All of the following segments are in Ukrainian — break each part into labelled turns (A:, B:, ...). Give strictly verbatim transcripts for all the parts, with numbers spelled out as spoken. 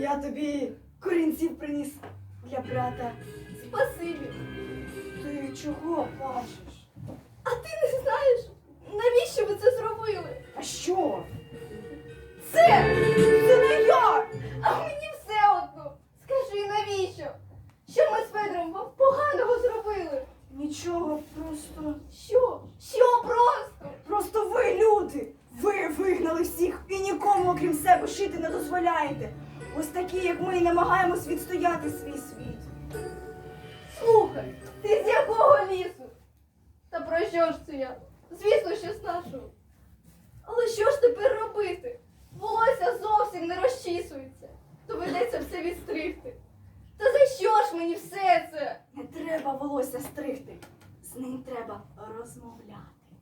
A: я тобі корінців приніс для брата.
B: Спасибі.
A: Ти чого плачеш?
B: А ти не знаєш, навіщо ви це зробили?
A: А що?
B: Це!
A: Це не я!
B: А мені все одно. Скажи, навіщо? Що ми з Федором вам поганого зробили?
A: Нічого, просто...
B: Що? Що просто?
A: Просто ви, люди! Ви вигнали всіх і нікому, окрім себе, жити не дозволяєте. Ось такі, як ми, намагаємось відстояти свій світ.
B: Слухай, ти з якого лісу? Та про що ж це я? Звісно, що з нашого. Але що ж тепер робити? Волосся зовсім не розчісується. Доведеться все відстригти. Та за що ж мені все це?
A: Не треба волосся стригти. З ним треба розмовляти.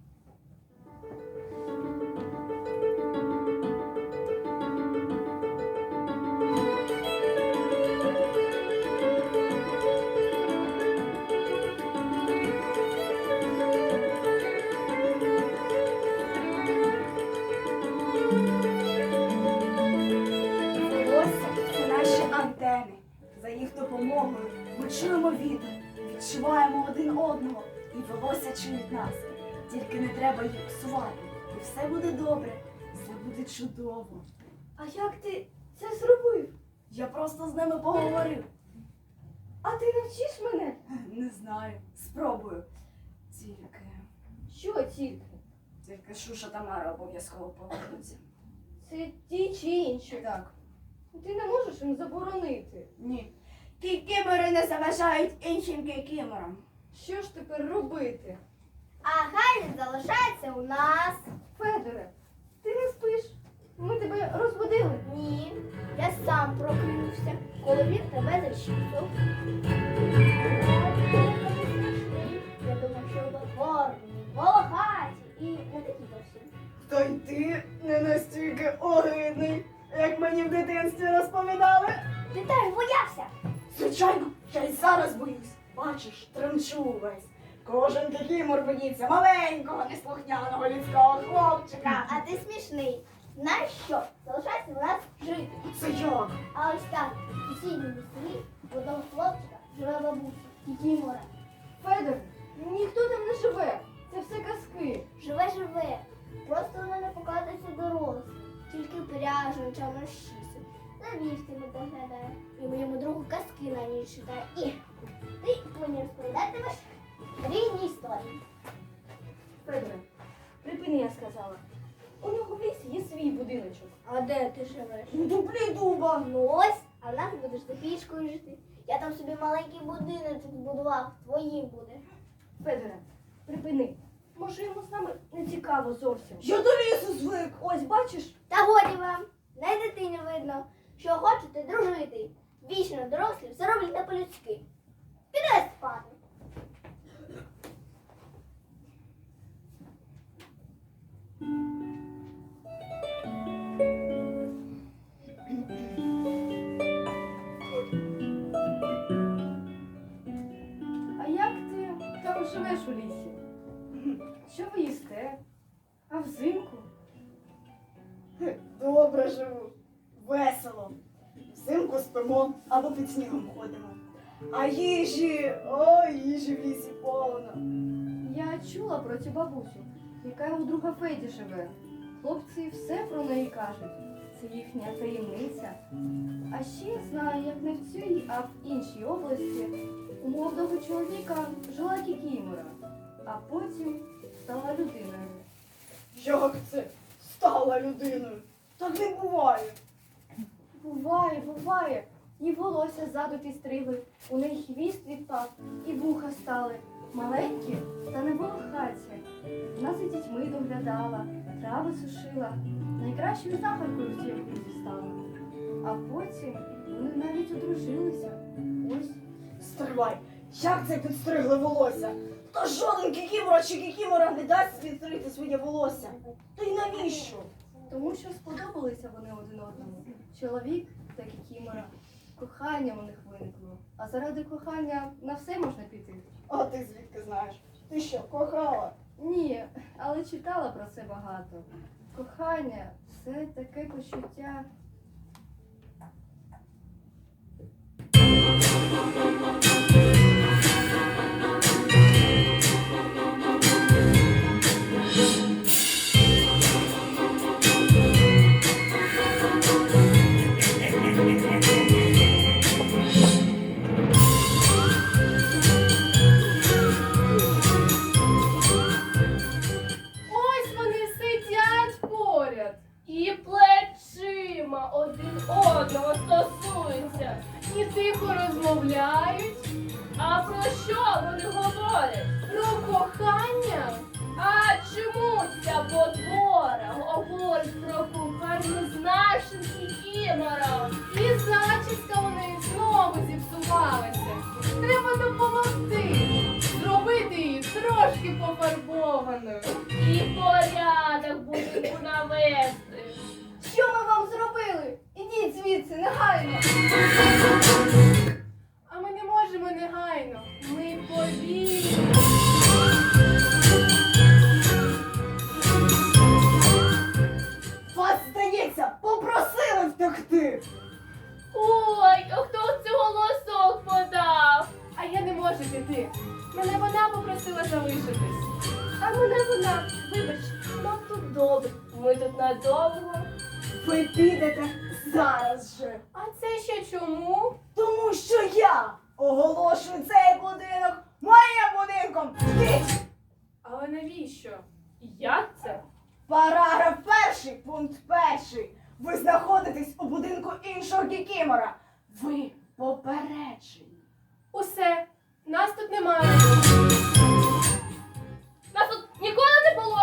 A: Волосся – це наші антени. За їх допомогою ми чуємо вітер, відчуваємо один одного, і волосся чують нас. Тільки не треба їх псувати, і все буде добре, все буде чудово.
B: А як ти це зробив?
A: Я просто з ними поговорив.
B: А ти навчиш мене?
A: Не знаю, спробую. Тільки,
B: Що тільки?
A: тільки Шуша та Мара обов'язково повернуться.
B: Це ті чи інші?
A: Так,
B: Ти не можеш їм заборонити.
A: ні. Кікімори не заважають іншим кікіморам.
B: Що ж тепер робити?
C: А хай він залишається у нас.
B: Федоре, ти не спиш? Ми тебе розбудили.
C: Ні, я сам прокинувся, коли він тебе зачіпав. Я думав, що ви гарні, волохаті і не такі зовсім.
A: Та й ти не настільки огидний, як мені в дитинстві розповідали.
C: Ти теж боявся?
A: Звичайно, я й зараз боюсь. Бачиш, тремчу увесь. Кожен кікімор боїться маленького, неслухняного людського хлопчика.
C: А ти смішний. Знаєш що? Залишайся у нас жити.
A: Це як?
C: А ось так, у сусідньому селі в одного хлопчика живе бабуся, Кікімора.
B: Федоре, ніхто там не живе. Це все казки.
C: Живе-живе. Просто вона не показується дорослим. Тільки пряжу ночами розчісує. За вівцями доглядає. І моєму другу казки на ніч читає. І ти мені розповідатимеш різні історії.
B: Федоре, припини, я сказала. У нього в лісі є свій будиночок.
C: А де ти живеш?
A: У дуплі дуба.
C: Ну ось, а в нас будеш за пічкою жити. Я там собі маленький будиночок збудував, твоїм буде.
B: Федоре, припини. Може, йому з нами не цікаво зовсім.
A: Я до лісу звик.
B: Ось, бачиш?
C: Та годі вам, не дитині видно, що хочете дружити. Вічно дорослі, все роблять не по-людськи. Піде спати.
B: А як ти там живеш у лісі? Що ви їсте? А взимку?
A: Хе, Добре живу. Весело. Взимку спимо або під снігом ходимо. А їжі, о, їжі в лісі повно.
B: Я чула про цю бабусю, яка у друга Феді живе. Хлопці все про неї кажуть. Це їхня таємниця. А ще знаю, як не в цій, а в іншій області у молодого чоловіка жила кікімора, а потім стала людиною.
A: Як це стала людиною? Так не буває.
B: Буває, буває. І волосся ззаду підстригли, у неї хвіст відпав, і вуха стали. Маленькі, та не волохаті. Вона за дітьми доглядала, трави сушила, найкращою знахаркою в цій окрузі стала. А потім вони навіть одружилися. Ось.
A: Стривай, як це підстригли волосся? Та жоден кікімора чи кікімора не дасть підстригти своє волосся. Та й навіщо?
B: Тому що сподобалися вони один одному. Чоловік та кікімора. Кохання у них виникло. А заради кохання на все можна піти.
A: А ти звідки знаєш? Ти що, кохала?
B: Ні, але читала про це багато. Кохання – це таке почуття.
D: одного стосуються.
B: І тихо розмовляють
D: А про що вони говорять?
B: про кохання.
D: А чому ця потвора говорить про кохання з нашим кікімором?
B: І зачіска у неї знову зіпсувалася. Треба допомогти. Зробити її трошки пофарбованою.
D: І порядок будинку навести.
B: Що ми вам зробили? Ідіть звідси, негайно. А ми не можемо негайно. Ми повільні.
A: Вас, здається, попросили втекти.
D: Ой, а хто це голосок подав?
B: А я не можу піти. Мене вона попросила залишитись. А мене вона, вибач, нам тут добре.
D: Ми тут надовго.
A: Ви підете зараз же.
B: А це ще чому?
A: Тому що я оголошую цей будинок моїм будинком. Йдіть!
B: Але навіщо?
D: Як це?
A: Параграф перший, пункт перший. Ви знаходитесь у будинку іншого кікімора. Ви попереджені.
B: Усе, нас тут немає.
D: Нас тут ніколи не було.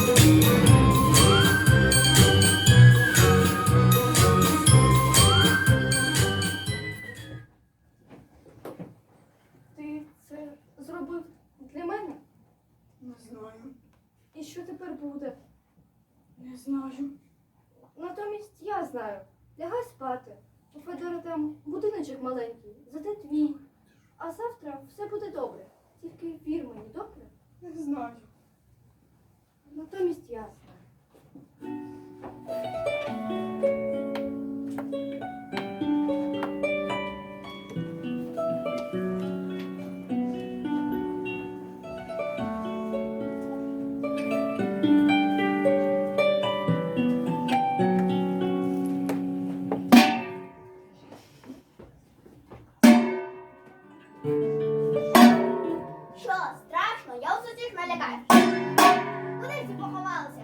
B: Ти це зробив для мене?
A: Не знаю,
B: І що тепер буде?
A: не знаю.
B: Натомість я знаю. Лягай спати. У Федора там будиночок маленький, зате твій. А завтра все буде добре. Тільки вір мені, добре?
A: Не знаю.
B: Натомість я знаю.
C: Що, страшно? Я ось усіх налякаю. Куди всі поховалися?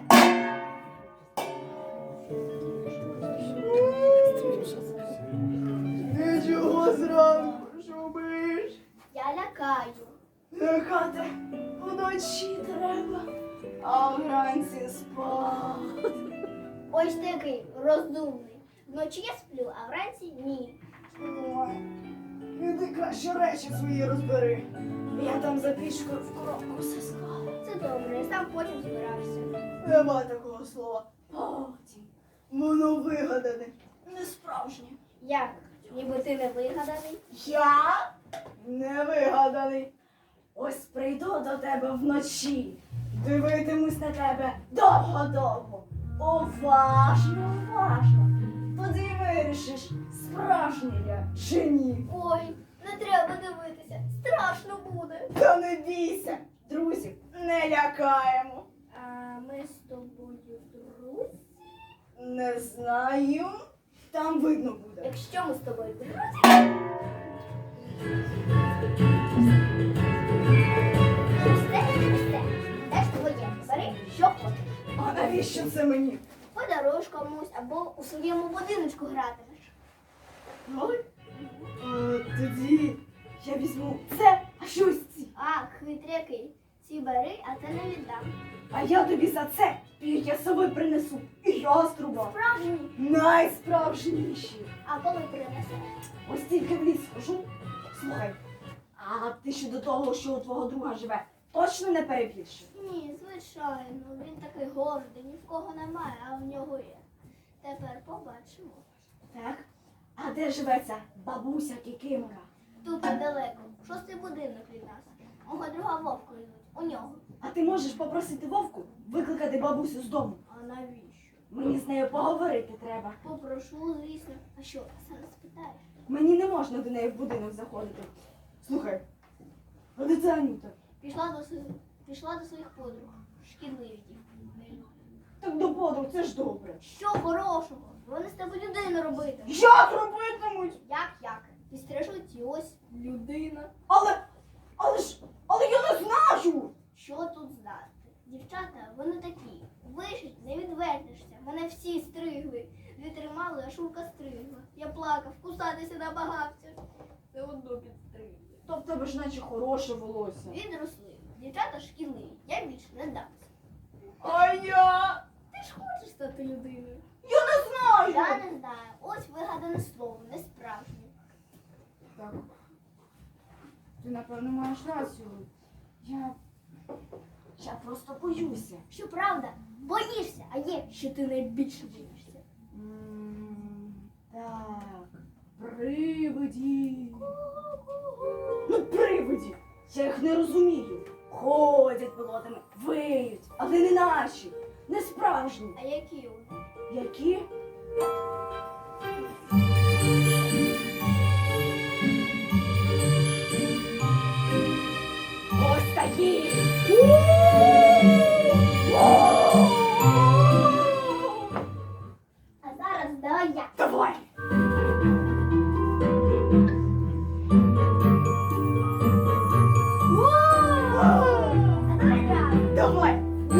A: Нічого зранку, шумиш.
C: Я лякаю.
A: Лякати вночі треба, а вранці спати.
C: Ось такий розумний. Вночі я сплю, а вранці ні.
A: Ой, іди краще речі свої розбери. Я там за пічкою в коробку все склала.
C: Це добре, я сам потім збирався.
A: Нема такого слова. Потім. Воно вигадане, не справжнє.
C: Як? Ніби ти не вигаданий?
A: Я не вигаданий. Ось прийду до тебе вночі. Дивитимусь на тебе довго-довго. Уважно, уважно. Тоді вирішиш, справжній я чи ні.
C: Ой, не треба дивитися. Страшно буде.
A: Та не бійся, друзів не лякаємо.
C: А ми з тобою друзі?
A: Не знаю, там видно буде.
C: Якщо ми з тобою друзі? Все, все. Де ж твоє? Бери, що хочеш.
A: А навіщо це мені?
C: Подаруєш комусь або у своєму будиночку гратимеш.
A: Ой, а, тоді я візьму це, а що ось ці.
C: А, хитрякий. Ці бери, а це не віддам.
A: А я тобі за це пір'я сови принесу і яструба.
C: Справжній.
A: Найсправжніші.
C: А коли принесеш?
A: Ось тільки в ліс схожу. Слухай, а ти щодо того, що у твого друга живе, точно не перебільшив?
C: Ні, звичайно. Він такий гордий, ні в кого немає, а в нього є. Тепер побачимо.
A: Так? А де живе ця бабуся Кікимора?
C: Тут недалеко. Шостий будинок від нас. Мого друга Вовку йдуть. У нього.
A: А ти можеш попросити Вовку викликати бабусю з дому?
C: А навіщо?
A: Мені з нею поговорити треба.
C: Попрошу, звісно. А що, саме спитаєш?
A: Мені не можна до неї в будинок заходити. Слухай, а де ця Анюта?
C: Пішла до своїх, пішла до своїх подруг. Шкідливі дівки.
A: Так до подруг, це ж добре.
C: Що хорошого? Вони з тебе людину робити.
A: Як робитимуть?
C: Як як? Підстрижуть і ось людина.
A: Але, але ж, але я не знаю.
C: Що тут знати? Дівчата, вони такі. Вишить, не відвертишся. Мене всі стригли. Не тримали, аж Шурка стригла. Я плакав, кусатися намагався. Все одно підстригли.
A: То в тебе ж наче хороше волосся.
C: Відросли. Дівчата шкіли. Я більше не дамся.
A: А я?
C: Ти ж хочеш стати людиною?
A: Я не знаю.
C: Я не знаю. Ось вигадане слово, не справжнє.
A: Так. Ти, напевно, маєш рацію. Я. Я просто боюся.
C: Що правда, боїшся, а є, що ти найбільше боїшся.
A: М, Так. Привиді. Ну, привиді. Я їх не розумію. Ходять болотами, виють, але не наші, не справжні.
C: А які вони?
A: Які? Ось такі.
C: А зараз давай я.
A: Давай.
C: А давай я.
A: Давай.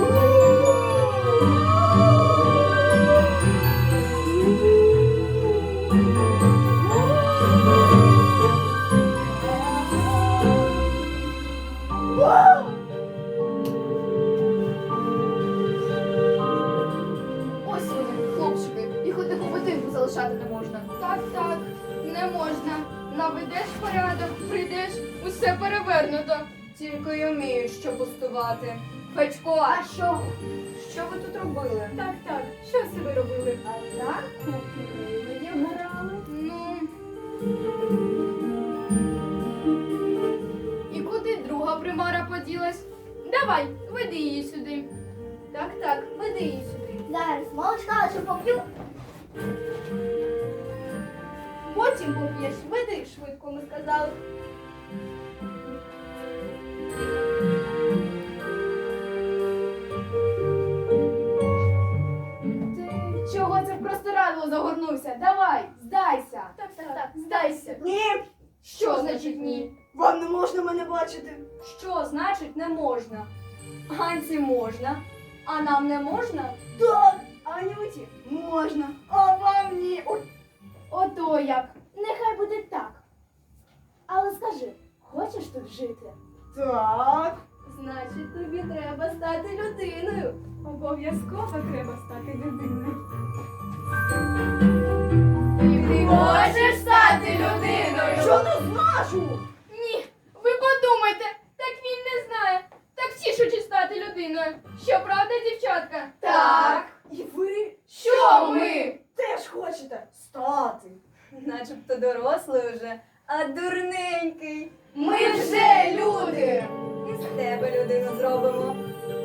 B: Ось вони, хлопчики, їх одних у будинку залишати не можна.
E: Так, так, не можна. Наведеш порядок, прийдеш, усе перевернуто. Тільки й вміють, що пустувати. Федько,
C: А що?
E: що ви тут робили?
D: Так, так, що це ви робили?
C: А так привидів грали.
E: Ну. І куди друга примара поділась? Давай, веди її сюди. Так, так, веди її сюди.
C: Зараз молочка лише поп'ю.
B: Потім поп'єш, веди швидко, ми сказали. Ти чого це в простирадло загорнувся? Давай, здайся.
C: Так, так, так.
B: Здайся.
A: Ні,
E: Що значить ні?
A: вам не можна мене бачити.
E: Що значить не можна? Ганці можна, а нам не можна?
A: Так, Анюті можна, а вам ні. Ой.
B: Ото як.
C: Нехай буде так. Але скажи, хочеш тут жити?
A: Так.
B: Значить, тобі треба стати людиною.
D: Обов'язково треба стати людиною.
E: Ти можеш стати людиною?
A: Що не зможу?
E: Ні, ви подумайте, так він не знає. Так тішучи стати людиною. Що правда, дівчатка?
A: Так. І ви
E: Що ми?
A: теж хочете стати.
E: Начебто дорослий уже, а дурненький. Ми вже люди. І з тебе людину зробимо.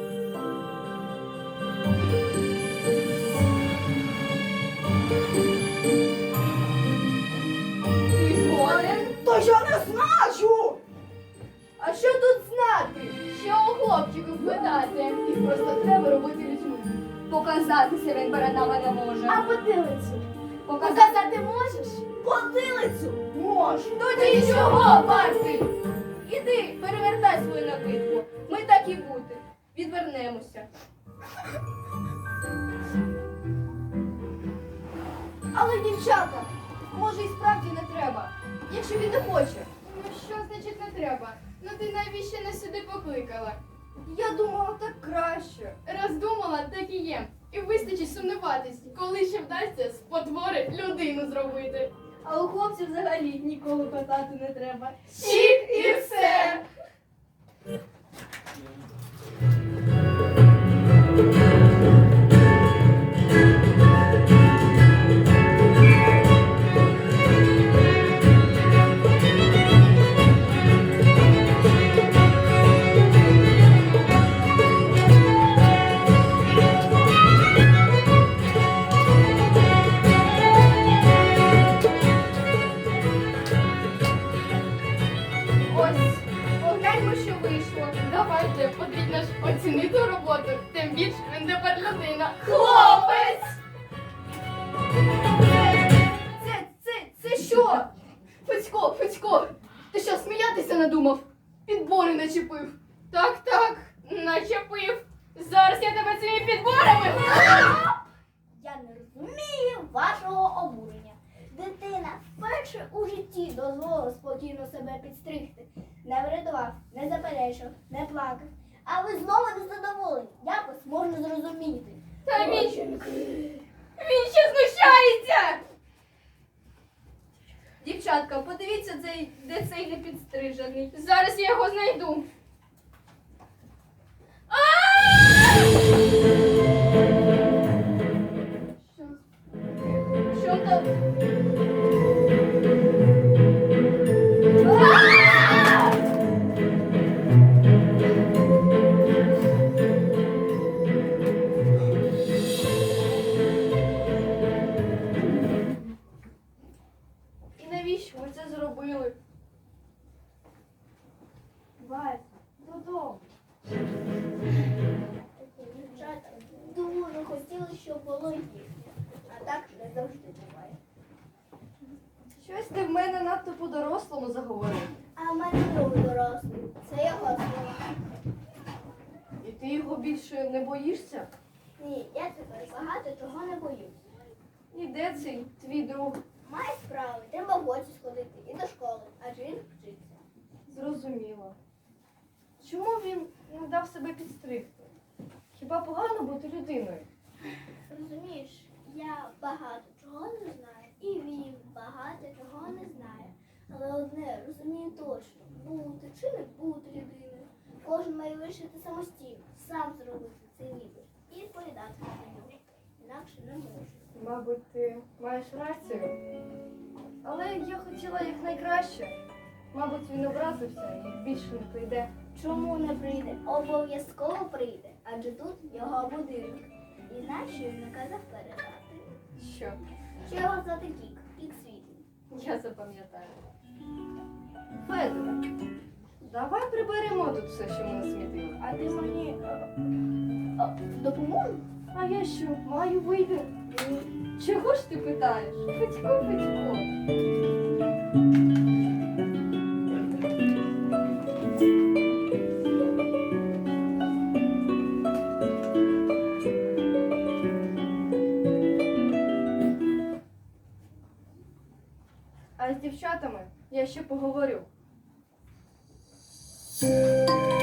E: Ти згоден?
A: Та я не знаю.
B: А що тут знати?
E: Що у хлопчиків питати? Їх просто треба робити людьми. Показатися він перед нами не може.
C: А потилицю?
E: Показати
C: Показати можеш?
A: Потилицю можу.
E: тоді чого вартий? Іди, перевертай свою накидку. Ми так і бути. Відвернемося.
B: Але, дівчата, може і справді не треба, якщо він не хоче.
E: Ну що значить не треба? Ну ти навіщо нас сюди покликала?
B: Я думала, так краще.
E: Раз думала, так і є. І вистачить сумніватись, коли ще вдасться з потвори людину зробити.
B: А у хлопців взагалі ніколи питати не треба.
E: Чік і все. Ось, погляньмо, що вийшло. Давайте, потрібно ж оцінити роботу. Тим більше він тепер людина. Хлопець!
B: Це, це, це що?
E: Федько, Федько, ти що, сміятися надумав? Підбори начепив. Так, так, начепив. Зараз я тебе цими підборами.
C: Я не розумію вашого обурення. і дозволив спокійно себе підстригти. Не врятував, не заперечив, не плакав. А ви знову не задоволені. Якось можна зрозуміти.
E: Та він,
C: Дівчинки.
E: він ще знущається!
B: Дівчатка, подивіться, цей, де цей непідстрижений.
E: Зараз я його знайду.
B: Що?
E: Що там?
B: І навіщо ви це зробили? Вась, додому.
C: Дівчата дуже хотіли, щоб було їхнє. А так не завжди буває.
B: Щось ти в мене надто по-дорослому заговорив.
C: А в мене другий дорослий. Це його слова.
B: І ти його більше не боїшся?
C: Ні, я тепер багато чого не боюсь.
B: І де цей твій друг?
C: Має справи, треба в гості сходити і до школи, адже він вчиться.
B: Зрозуміло. Чому він не дав себе підстригти? Хіба погано бути людиною?
C: Розумієш, я багато чого не знаю, і він багато чого не знає. Але одне розумію точно, бути чи не бути людиною. Кожен має вирішити самостійно, сам зробити цей вибір і відповідати на нього. Інакше не можу.
B: Мабуть, ти маєш рацію. Але я хотіла якнайкраще. Мабуть, він образився і більше не прийде.
C: Чому не прийде? Обов'язково прийде, адже тут його будинок. І знаєш, що він наказав передати?
B: Що?
C: Що його звати Кік, Кік світлий.
B: Я запам'ятаю. Федоре, давай приберемо тут все, що ми насмітили.
C: А ти мені е, е, допоможеш?
B: А я що, маю вибір? Чого ж ти питаєш? Федько, Федько. А з дівчатами я ще поговорю.